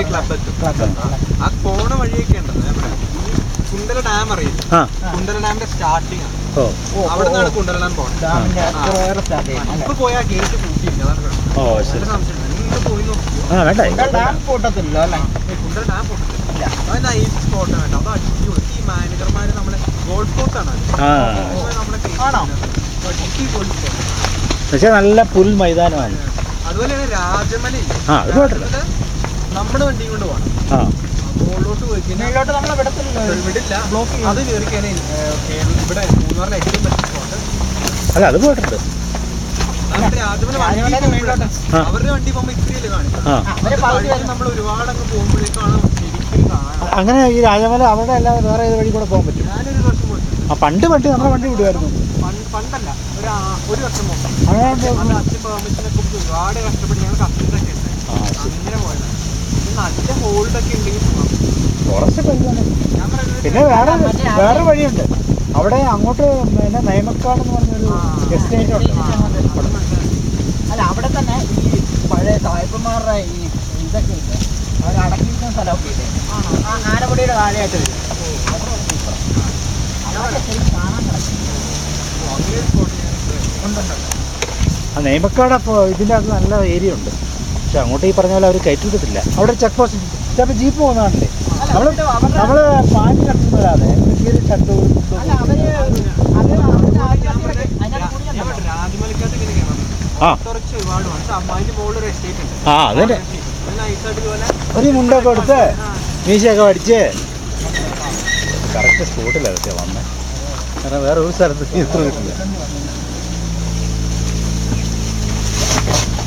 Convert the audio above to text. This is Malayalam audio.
ക്ലബ് എത്തും. ആ പോണ വഴിയൊക്കെ ഉണ്ടല്ലോ നമ്മുടെ കുണ്ടല ഡാം അറിയില്ല, കുണ്ടല ഡാമിന്റെ സ്റ്റാർട്ടിങ് ആണ്. അവിടെ നിന്നാണ് കുണ്ടല ഡാം പോകുന്നത്. ഇപ്പൊ പോയാൽ ഗേറ്റ് പൂട്ടിയില്ല, അതാണ് നിങ്ങൾ പോയി നോക്കിയോ? കുണ്ടല ഡാം പൊട്ടത്തില്ല, അത് നൈസ് സ്പോട്ട് വേണ്ട, അത് അടിപൊളി. ഈ മാനേജർമാര് നമ്മളെ ഗോൾഫ് കോഴ്സാണ് പക്ഷെ നല്ല പുൽ മൈതാനമാണ്. അതുപോലെ തന്നെ രാജമല നമ്മുടെ വണ്ടിയും കൊണ്ട് പോകണം. മുകളിലോട്ട് പോയി കഴിഞ്ഞാൽ നമ്മളെ വിടില്ല, അത് കയറി കഴിഞ്ഞാൽ ഇവിടെ മൂന്നാറിലെ ഏറ്റവും ബെസ്റ്റ് സ്പോട്ട്. അല്ല അത് പോയിട്ടുണ്ട്. അവരുടെ വണ്ടി പോകുമ്പോ ഇത്രയല്ലേ കാണിക്കും. നമ്മൾ ഒരുപാട് അങ്ങ് പോകുമ്പോഴേക്കാണ് ശരിക്കും കാണാം. അങ്ങനെ ഈ രാജമല അവിടെ അല്ലാതെ വേറെ ഏത് വഴി കൂടെ പോകാൻ പറ്റും? ഞാനൊരു വർഷം പോയിട്ടുണ്ട്. പണ്ട് നമ്മുടെ വണ്ടി വിടുമായിരുന്നു. പണ്ടല്ല, ഒരു വർഷം പോകും. അച്ഛൻ പെർമിഷനൊക്കെ ഒരുപാട് കഷ്ടപ്പെട്ട് ഞങ്ങൾ കസ്റ്റമറൊക്കെ ഉണ്ട്, അങ്ങനെ പോയതാണ്. നല്ല ഹോൾഡൊക്കെ ഉണ്ടെങ്കിൽ പിന്നെ വേറെ വഴിയുണ്ട് അവിടെ അങ്ങോട്ട്. പിന്നെ നയമക്കാട് എന്ന് പറഞ്ഞൊരു എസ്റ്റേറ്റ് ഉണ്ട്. അല്ല അവിടെ തന്നെ ഈ പഴയ സായിപ്പന്മാരുടെ ഈ ഇതൊക്കെ ഇല്ല, അവർ അടക്കിയിരിക്കുന്ന സ്ഥലമൊക്കെ ഇല്ലേ, ആനപ്പടിയുടെ താഴെയായിട്ട് വരും. കാണാൻ ആ നെയ്മക്കാട് അപ്പോൾ ഇതിൻ്റെ അകത്ത് നല്ല ഏരിയ ഉണ്ട്. പക്ഷെ അങ്ങോട്ട് ഈ പറഞ്ഞ പോലെ അവർ കയറ്റിട്ടില്ല. അവിടെ ചെക്ക് പോസ്റ്റ് ചിലപ്പോൾ ജീപ്പ് പോകുന്നതാണല്ലേ. നമ്മൾ പാഞ്ഞ് കട്ടുന്നല്ലാതെ കീറി കട്ടു. അതന്നെ ഒരു മുണ്ടൊക്കെ എടുത്ത് മീശയൊക്കെ അടിച്ച് കറക്റ്റ് സ്പോട്ടിലൊക്കെ വന്നേ. കാരണം വേറെ ഒരു സ്ഥലത്ത് ഇത്ര കിട്ടില്ല.